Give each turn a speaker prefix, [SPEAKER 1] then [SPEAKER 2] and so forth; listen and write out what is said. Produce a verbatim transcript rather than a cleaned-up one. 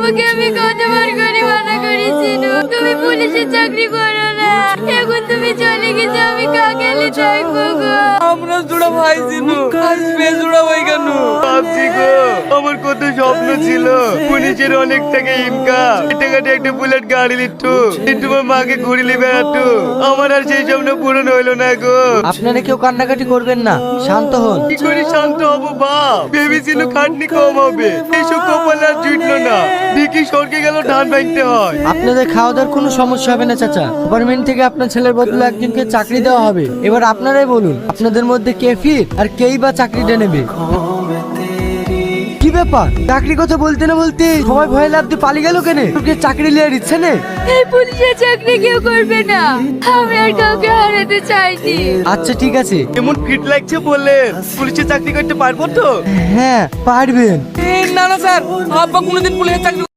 [SPEAKER 1] তোমাকে আমি কতবার করে মানা করেছিল তুমি পুলিশের চাকরি করো না। এখন তুমি চলে গেছো, আমি কাকেলি থাকবো গো।
[SPEAKER 2] আমরা জোড়া ভাই ছিল, আজ বেজোড়া হয়ে কেন?
[SPEAKER 3] ভাবছি গো, আমার কত স্বপ্ন ছিল পুলিশের অনেক টাকা ইনকাম, টাকাতে একটা বুলেট গাড়ি নিত, তোমার মাকে ঘুরিলে বেড়াতো। আমার আর সেই স্বপ্ন পূরণ হইলো না গো।
[SPEAKER 4] আপনারা কেউ কান্নাকাটি করবেন না, শান্ত হন।
[SPEAKER 3] কি করে শান্ত হবো বাপ? ভেবেছিল খাটনি কম হবে, এইসব কপাল আর জুটলো না। দেখি সরকে গেল ধান ভাঙতে হয়।
[SPEAKER 4] আপনাদের খাওয়া দাওয়ার কোনো সমস্যা হবে না চাচা। গভর্নমেন্ট থেকে আপনার ছেলের বদলে একজনকে চাকরি দেওয়া হবে। এবার আপনারাই বলুন আপনাদের মধ্যে কে ফিট আর কেই বা চাকরিটা নেবে। কি ব্যাপার, চাকরি কথা বলতে না বলতে সবাই ভয় লাভ দিয়ে পালিয়ে গেল কেন? তোকে চাকরি নেওয়ার ইচ্ছে নেই?
[SPEAKER 1] এই পুলিশের চাকরি কেউ করবে না, আমি আর কাউকে হারাতে চাইনি।
[SPEAKER 4] আচ্ছা ঠিক আছে।
[SPEAKER 3] এমন ফিট লাগছে বললেন, পুলিশের চাকরি করতে পারবো তো?
[SPEAKER 4] হ্যাঁ পারবেন।
[SPEAKER 2] না না স্যার, আব্বা কোনোদিন পুলিশের চাকরি